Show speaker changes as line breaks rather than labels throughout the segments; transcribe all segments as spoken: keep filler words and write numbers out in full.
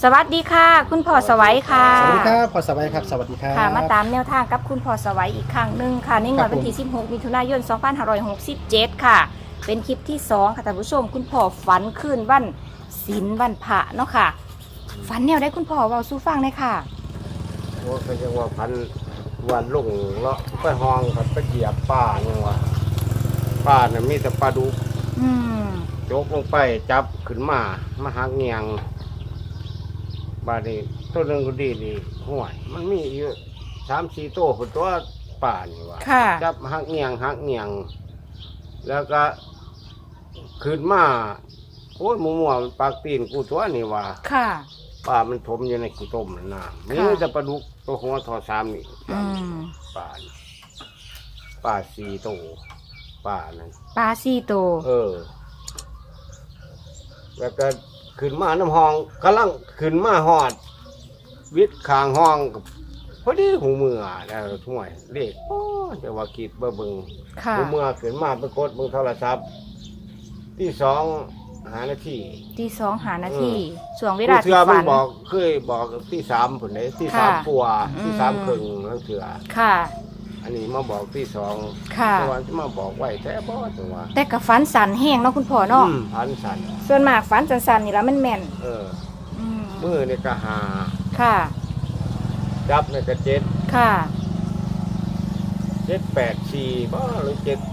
สวัสดีค่ะคุณพ่อสวัยค่ะ
สวัสดีครับพ่อสวัยครับสวัสดีครับ
ค่ะมาตามแนวทางกับคุณพ่อสวัยอีกครั้งหนึ่งค่ะในงวดวันที่สิบหกมิถุนายนสองพันห้าร้อยหกสิบเจ็ดค่ะเป็นคลิปที่สองค่ะท่านผู้ชมคุณพ่อฝันคืนวันศีลวันพระเนาะค่ะฝันแนวได้คุณพ่อเว้าสู่ฟังเลยค่ะ
โอ้ก็ยังว่าพันวันลงเลาะไปห้องครับไปเหยียบป่าเนี่ยว่าป่าเนี่ยมีแต่ปลาดุก
อืม
โจกลงไปจับขึ้นมามาหักเงียงบาดนี้ตัวหนึงก็ดีดีห่วยมันมีอยู่สามสี่ตัวคนตัวป่านี่ว่า
ค่ะ
จับหักเงียงหักเงียงแล้วก็ขึ้นมาโอ้ยมัวมัวมันปากตีนกูตัวนี่ว่า
ค่ะ
ป่ามันถมอยู่ในขี้ต้มนั่นนะมี
ค่ะ
แต่ปลาดุกตัวหัวทอสามนี่
อืม
ป่านี่ป่าสี่ตัวป่านั่น
ปลาสี่โตว
เออ แล้วก็ขึ้นมาน้ำห้องกำลังขึ้นมาหอด วิทย์ขางห้องกับพอดีหูมือแล้วช่วยเด็กโอ้แต่ว่าคิดเบิ่งเบิ่ง
ค่ะ
หูมือขึ้นมาไปกดเบิ่งโทรศัพท์ที่สองหานาที
ที่สองหานาที
เออ
ช่วงเว
ผู้
ลา
เชื
ที่
อมั
ฝั
น
น
บอกเคยบอกที่สามผลไหนที่
ค่ะ
สามปัวที่
อืม
สามครึ่งนั่นเถื่อ
ค่ะ
อันนี้มาบอกที่สอง
ค่ะ
แต่ว่าจะมาบอกไว้แต่บ่จังว่า
แต่กับฝันสันแห้งเนาะคุณพ่อเนาะ
อืมพันสัน
ส่วนมากฝันสันๆนี่แล้วมันแม่น
เออ
อืม
มือนี่ก็หา
ค่ะ
จับนี่ก็เจ็ด
ค่ะ
เจ็ดแปดสี่บ่หรือเจ็ด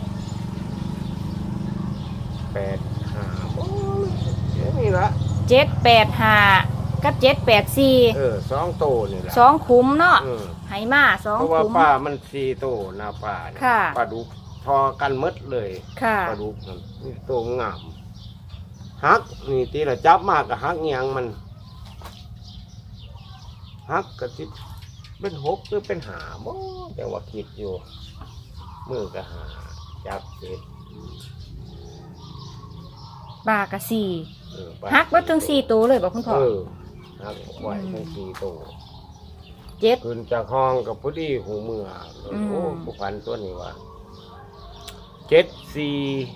แปดห้าบ่นี่ละ
เจ็ดแปดห้ากับเจ็ดแปดสี่
เออสองโตนี่ละ
สองคุ้มเนาะ
เออ
ไหมาสอง
เพราะว่า
คุ้ม
ป้ามันสี่โตหน้าป้าเนี่ย
ค่ะ
ปลาดุกพอกันหมดเลย
ค่ะ
ปลาดุกนั่นนี่โตงามฮักนี่ตีละจับมากกับฮักเงียงมันฮักกะสิเป็นหกหรือเป็นหาบ่แต่ว่าคิดอยู่มือก็หาจับเสร็จ
บากะสี่
เออไป
ฮักวัดถึงสี่ตัวเลยบอกคุณพ่อ
เออฮักไว้ทั้งสี่ตัว
เจ็ด
ขึ้นจากห้องกับพอดีหูเมือ
อืม
โอ้ผู้พันตัวนี้ว่าเจ็ดสี่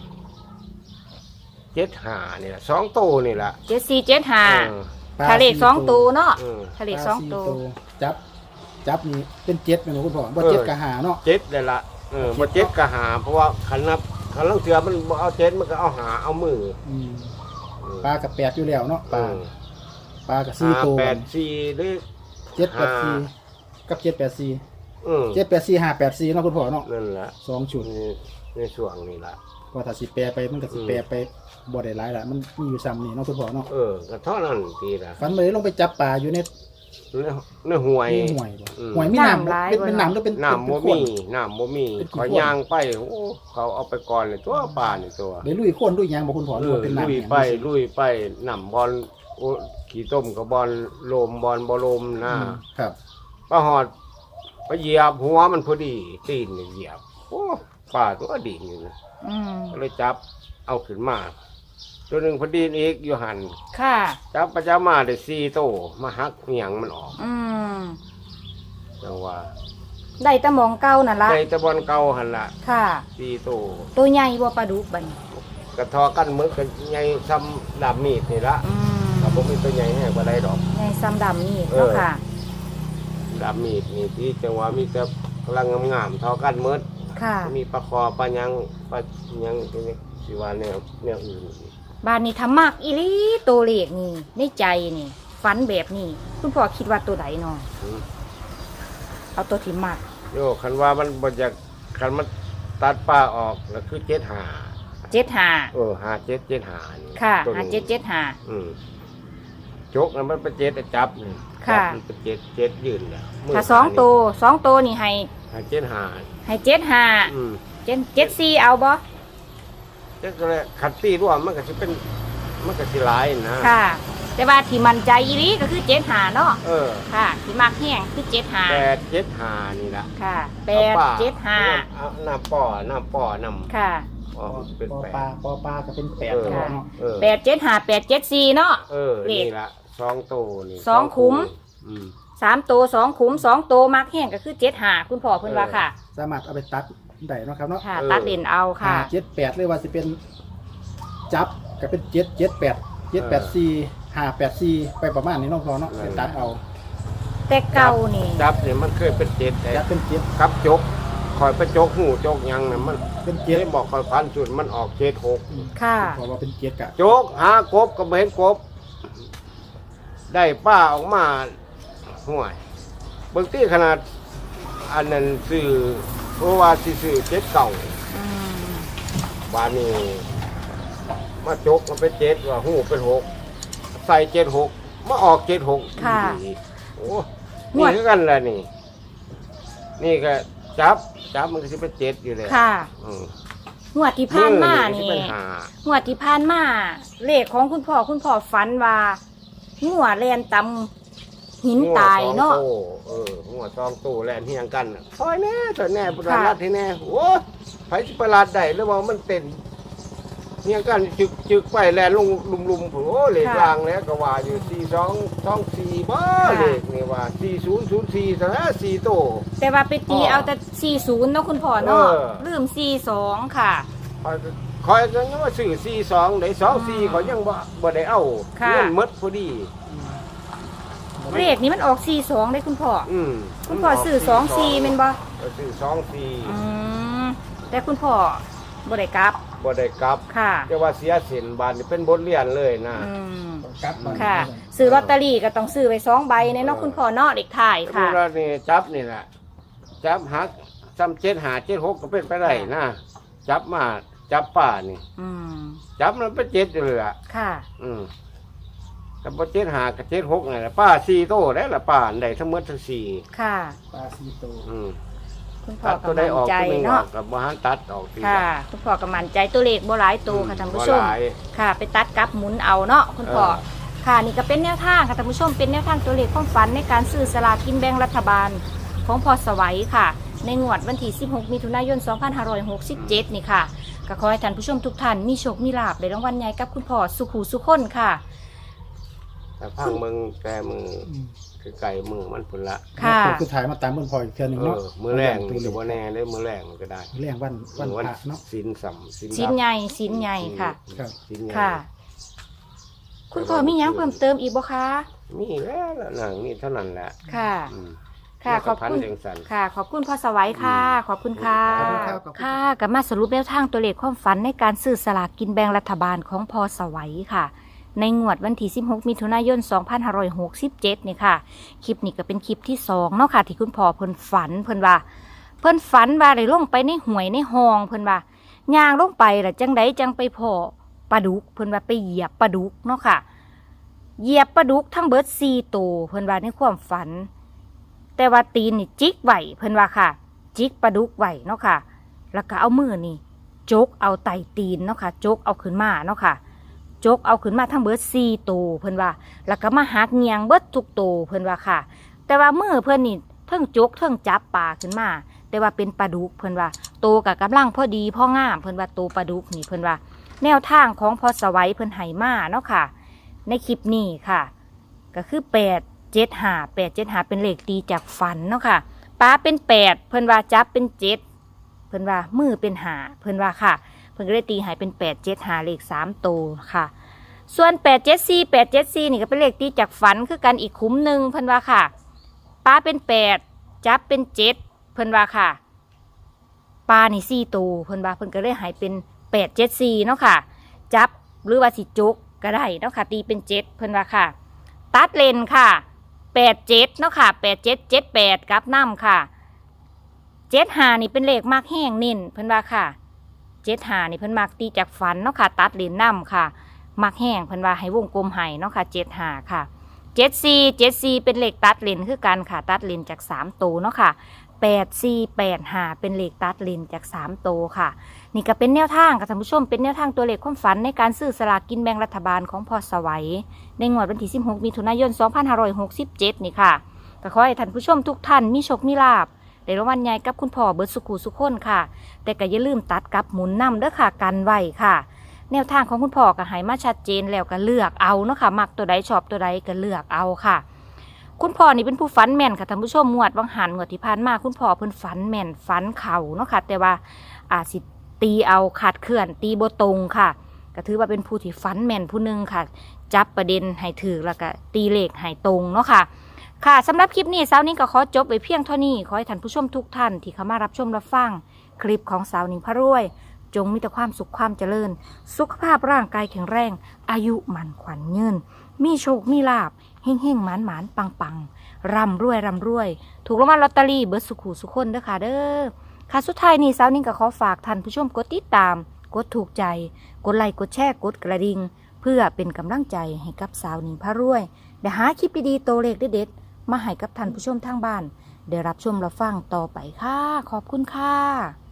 เจ็ดหานี่แหละสองตัวนี่แหละ
เจ็ดสี่เจ็ดห้า
เออ
ทะเลขสองตัวเนาะ
เออ
ทะเลขสองตัว
จับจับนี่เป็นเจ็ดไหมคุณพ่อบ่เจ็ดกะหาเนาะ
เจ็ดเลยละเออมาเจ็ดก็หา เพราะว่าขันนับขันลังเสือมันบ่เอาเจ็ดมันก็เอาหาเอามือ
อืม
เออ
ปลากับแปดอยู่แล้วเนาะปลา
เออ
ปลากับสี่
หา
ตัว
แปดสี่หรือ
เจ็ดแปดสี่กับเจ็ดแปดสี่
เออ
เจ็ดแปดสี่ห้าแปดสี่เนาะคุณพ่อเนาะ
นั่นแหละ
สองชุด
ในในช่วงนี้ละ
พอถ้าสิแปรไปมันก็สิแปรไปบ่ได้หลายละมันมีอยู่ซ้ำนี่เนาะคุณพ่อเนาะ
เออก็เท่านั้นทีละ
ฝันไปลงไปจับปลาอยู่ใน
ในในห่วย
ในห่วยบ่
อืม
ห่วยมีน้ำ
น้ำหลาย
เป็น
บ่
เป็น
เนาะ
น้ำหรือเป็น
น้ำ
เป็
บ่
นข้
มี
น
น้ำบ่มี
เป็นขี้
ขอยางไปโอ้เขาเอาไปก่อนเลยตัวป่านี่ตัว
ได้ลุยข้นลุยหยังบ่คุณพ่อห
เอ
รือ
อ
ว่าเป็นน้ำ
ลุย
แห้ง
ไปลุยไปน้ำบอลโอ้ขี้ต้มกับบอลโลมบอลบ่โลมนะ
อืมครับ
ป้าหอดไปเหยียบหัวมันพอดีตีนนี่เหยียบโอ้ป่าตัวดีอยู่นะ
อืม
ก็เลยจับเอาขึ้นมาตัวหนึ่งพอดีนอีกอยู่หัน
ค่ะ
จับประจามาได้สี่โตมาหักเหนียงมันออก
อืม
จังว่า
ได้แตะมองเก้านั่นละ
ในตะบอนเก่าหันละ
ค่ะ
สี่โต
ตัวใหญ่บ่ปลาดุกบัดนี้
กระทอกันมือกันใหญ่ซ้ำดาบมีดนี่ละ
อืม
ถ้าผมมีตัวใหญ่แห้งกว่าได้ดอก
ใหญ่ซ้ำดำนี่
เออ
เนาะค่ะ
ดาบมีดนี่ที่จังหวะมีแต่กำลังงามๆทอกันมืด
ค่ะ
มีปลาคอปลายังปลายังตัวนี้สิว่าแนวแนวอื่น
บ้านนี้ทำมากอีหลีตัวเลขนี่ในใจนี่ฝันแบบนี้คุณพ่อคิดว่าตัวใดเนาะ
อืม
เอาตัวที่มาก
โยคันว่ามันบ่อยากคันมันตัดป้าออกก็คือเจ็ดหา
เจ็ดห้า
เออหาเจ็ดเจ็ดหานี่
ค่ะ
ตัว
หา
นี้
เจ็ดเจ็ดห้า
อืมจกนั้นมันเป็นเจ็ดอะจับนี่
ค่ะ
จับมันเป็นเจ็ดเจ็ดยืนเนี่ยมื
ถ้าสองตัวสองตัวนี่ให้
หาเจ็ดหา
ให้เจ็ดห้า
อืม
เจ็ดเจ็ดสี่เอาบ่
เจ็ดก็เลยขัดตีร่วมมันก็จะเป็นมันก็สิหลายนะ
ค่ะ แต่ว่าที่มันใจอีหลีก็คือเจ็ดห้าเนาะ
เออ
ค่ะที่มากแห้งคือเจ็ดห้า
แปดเจ็ดหานี่ละ
ค่ะแปด
อาป้า
เจ็ดห้า
เอาน้ำป่อน้ำป่อนำ
ค่ะ
อ๋อเป็น
ปอ
แป
ปลา
ด
ปอปลาก็เป็นแปด
เออ
เนาะเนาะ
เออ
แปดเจ็ดห้าแปดเจ็ดสี่เนาะ
เออ
เลข
นี่ละสองตัวนี่
สองคุ้ม
อืม
สามตัวสองขุมสองตัวมากแห้งก็คือเจ็ดห้าคุณพ่อเพิ่นว่าค่ะ
สามารถเอาไปตัดได้เนาะครับเนาะ
ค่ะ
เออ
ตัดเด่นเอาค่ะ
ห้าเจ็ดแปดเลยว่าสิเป็นจับก็เป็นเจ็ดเจ็ดแปดเจ็ดแปดสี่ห้าแปดสี่ไปประมาณนี้เนาะพอเนาะไปตัดเอา
แต่เก่านี่
จับเนี่ยมันเคยเป็นเจ็ดแต่
จับเป็นเจ็ด
กับจกคอยไปจกหูจกหยังน่ะมัน
เป็นเจ็
เจ็
ด
ดบอกคอยพันสุดมันออกเจ็ดหก
ค่ะ
พอว่าเป็นเจ็ดกะ
จกหากบก็ไม่เห็นกบ ได้ป้าออกมาห่วยบางทีขนาดอันนั้นซื้อเพราะว่าสิซื้อเจ็ดเก่า
อืม
บานนี้มาจกมันเป็นเจ็ดว่าหูเป็นหกใส่เจ็ดหกมาออกเจ็ดหก
ค่ะ
โอ้นี่คือกันแหละนี่ นี่ก็จับจับมันก็จะเป็นเจ็ดอยู่เลย
ค่ะ
อืม
งวดที่ผ่านมา
สิ
นี่
เป็นหาง
วดที่ผ่านมาเลขของคุณพ่อคุณพ่อฝันว่างัวแลนตำหินตายเนาะ
หัวสองโต้เออหัวซองตู้แลนเฮียงกันน่ะซอยแน่ซอยแน่ประหลัดที่แน่โอ้ไผสิประหลัดได้หรือว่ามันเต้นเฮียงกันจึกจึกไปแลนลงลุมๆโอ้เลข
ค่ะ
รางแล้วก็ว่าอยู่สี่สองสองสี่บ่
ค่ะ
เลขนี่ว่าสี่ศูนย์ศูนย์สี่ซะนะสี่โต
แต่ว่าไปตีเอาแต่สี่สิบเนาะคุณพ่อเนาะ
เออ
ลืมสี่สองค่ะ
คอยคอยก็ยังว่าซื้อสี่สองได้สองสี่เขายังบ่บ่ได้เอา
ค่ะ
เงินหมดพอดี
เลขนี้มันออกสี่สองได้คุณพ่อ
อืม
คุณพ่อซื้อสองสี่เป็นบ่
ก็ซื้อสองสี่
อืมแต่คุณพ่อบ่ได้กลับ
บ่ได้กลับ
ค่ะ
จะว่าเสียสินบานนี่เป็นบทเรียนเลยนะ
อืม
กลับมา
ค่ะซื้อลอตเตอรี่ก็ต้องซื้อไปสองใบในเนาะคุณพ่อเนาะเด็กถ่าย
ดู
ค่ะ
แล้วนี่จับนี่แหละจับหักซ้ำเจ็ดหาเจ็ดหกก็เป็นไปได้นะจับมาจับป่านี่
อืม
จับมันเป็นเจ็ดเลยอ่ะ
ค่ะ
อืมกับเจ็ดหากับเจ็ดหกนี่แหละป้าสี่โตได้ละป้าอันใดทั้งหมดทั้งสี่
ค่ะ
ปลาซีโต
อืม
คุณพ่อ
ตัด
ก็
ตัวใด
มั่
อน อก
ใจ
ตัวหนึงออ
เนาะ
กกับบ้านตัดออกที
ค่ะ คุณพ่อก็มั่นใจตัวเลขบ่หลายตัวค่ะท่านผู้ชม
บ่หลาย
ค่ะ ไปตัดกลับหมุนเอาเนาะคุณพ่อ
เออ
ค่ะนี่ก็เป็นแนวทางค่ะท่านผู้ชมเป็นแนวทางตัวเลขความฝันในการซื้อสลากกินแบ่งรัฐบาลของพอสวัยค่ะ ในงวดวันที่สิบหกมิถุนายนสองพันห้าร้อยหกสิบเจ็ดนี่ค่ะก็ขอให้ท่านผู้ชมทุกท่านมีโชคมีลาภในรางวัลใหญ่กับคุณพ่อสุขูสุขคนค่ะ
แต่พังมึงแกมือคือไก่มือมันพุ่นละ
ค่ะ
คือถ่ายมาตามเบิ่งพออีกเทื่อหนึง
เอ
เนาะ
อมือแรง
ตัว
หรือว่าแน่เลยมือแรงมันก็ได้
แรงวันวันพระเนาะ
สินสัมสิน
ชิ้นใหญ่ชิ้นใหญ่ค่ะ
ครับ
สินใหญ่
ค่ะ คุณพ่อมีหยังเพิ่มเติมอีกบ่คะ
มีแล้วล่ะหนังนี่เท่านั้นแหละ
ค่ะ
อืม
ค่ะ ขอบ
พัน
คุณ
เสียงสัน
ค่ะ ขอบคุณพ่อสวัยค่ะ ขอบคุณค่ะ
ขอบคุณครับขอบคุณ
ค่ะกับมาสรุปแนวทางตัวเลขความฝันในการซื้อสลากกินแบ่งรัฐบาลของพอสวัยค่ะ ในงวดวันที่สิบหกมิถุนายนสองพันห้าร้อยหกสิบเจ็ดนี่ค่ะ คลิปนี้ก็เป็นคลิปที่สองเนาะค่ะ ที่คุณพ่อเพิ่นฝันเพิ่นว่า เพิ่นฝันว่าได้ลงไปในห้วยในห้องเพิ่นว่าย่างลงไปล่ะจังไดจังไปพอปลาดุกเพิ่นว่าไปเหยียบปลาดุกเนาะค่ะ เหยียบปลาดุกทั้งเบิดสี่ตัวเพิ่นว่าในความฝัน แต่ว่าตีนนี่จิกไหวเพิ่นว่าค่ะ จิกปลาดุกไหวเนาะค่ะ แล้วก็เอามือนี่จกเอาไตตีนเนาะค่ะจกเอาขึ้นมาเนาะค่ะจกเอาขึ้นมาทั้งเบิดสี่ตัวเพิ่นว่า แล้วก็มาหักเงียงเบิดทุกตัวเพิ่นว่าค่ะ แต่ว่ามือเพิ่นนี่เทิงจกเทิงจับปลาขึ้นมา แต่ว่าเป็นปลาดุกเพิ่นว่าโตกับกำลังพอดีพองามเพิ่นว่าโตปลาดุกนี่เพิ่นว่า แนวทางของพอสวัยเพิ่นไหมาเนาะค่ะ ในคลิปนี้ค่ะ ก็คือแปดเจ็ดหาแปดเจ็ดหาเป็นเลขตีจากฝันเนาะค่ะปลาเป็นแปดเพิ่นว่าจับเป็นเจ็ดเพิ่นว่ามือเป็นหาเพิ่นว่าค่ะ เพิ่นก็ได้ตีหายเป็นแปดเจ็ดหาเลขสามโตวค่ะ ส่วนแปดเจ็ดสี่แปดเจ็ดสี่นี่ก็เป็นเลขตีจากฝันคือกันอีกคุ้มหนึ่งเพิ่นว่าค่ะปลาเป็นแปดจับเป็นเจ็ดเพิ่นว่าค่ะปลานี่สี่ตัวเพิ่นว่าเพิ่นก็เลยหายเป็นแปดเจ็ดสี่เนาะค่ะ จับหรือว่าสิจุกก็ได้เนาะค่ะตีเป็นเจ็ดเพิ่นว่าค่ะ ตัดเลนค่ะแปดเจ็ดเนาะค่ะแปดเจ็ดเจ็ดแปดกับน้ำค่ะเจ็ดหานี่เป็นเลขมากแห้งนิ่นเพิ่นว่าค่ะเจ็ดหานี่เพิ่นมักตีจากฝันเนาะค่ะตัดเลนน้ำค่ะมักแห้งเพิ่นว่าให้วงกลมให้เนาะค่ะเจ็ดหาค่ะเจ็ดสี่เจ็ดสี่เป็นเลขตัดเลนคือกันค่ะตัดเลนจากสามตัวเนาะค่ะแปดสี่แปดหาเป็นเลขตัดเลนจากสามตัวค่ะ นี่ก็เป็นแนวทางค่ะท่านผู้ชมเป็นแนวทางตัวเลขความฝันในการซื้อสลากกินแบ่งรัฐบาลของพอสวัยในงวดวันที่สิบหกมิถุนายนสองพันห้าร้อยหกสิบเจ็ดนี่ค่ะก็ขอให้ท่านผู้ชมทุกท่านมีโชคมีลาภในรางวัลใหญ่กับคุณพ่อเบิร์ดสุขุสุขคนค่ะ แต่ก็อย่าลืมตัดกับหมุนนำเด้อค่ะกันไว้ค่ะ แนวทางของคุณพ่อก็ให้มาชัดเจนแล้วก็เลือกเอาเนาะค่ะมักตัวใดชอบตัวใดก็เลือกเอาค่ะ คุณพ่อนี่เป็นผู้ฝันแม่นค่ะท่านผู้ชมงวดวังหันงวดที่ผ่านมาคุณพ่อเพิ่นฝันแม่นฝันเข่าเนาะค่ะแต่ว่าอาจสิตีเอาขาดเคลื่อนตีโบตรงค่ะก็ถือว่าเป็นผู้ที่ฝันแม่นผู้หนึ่งค่ะจับประเด็นให้ถือแล้วก็ตีเลขให้ตรงเนาะค่ะค่ะสำหรับคลิปนี้สาวนิ้งก็ขอจบไปเพียงเท่านี้ขอให้ท่านผู้ชมทุกท่านที่เข้ามารับชมรับฟังคลิปของสาวนิ้งพระรวยจงมีแต่ความสุขความเจริญสุขภาพร่างกายแข็งแรงอายุมั่นขวัญยืนมีโชคมีลาภเฮ่งเฮ่งหมานหมานปังปังร่ำรวยร่ำรวยถูกรางวัลลอตเตอรี่เบิร์ดสุขูสุขคนเด้อค่ะเด้อค่ะสุดท้ายนี้สาวนิ้งก็ขอฝากท่านผู้ชมกดติดตามกดถูกใจกดไลค์กดแชร์กดกระดิ่งเพื่อเป็นกำลังใจให้กับสาวนิ้งพระรวยได้หาคลิปดีๆโตเลขเด็ดๆมาให้กับท่านผู้ชมทางบ้านได้รับชมรับฟังต่อไปค่ะขอบคุณค่ะ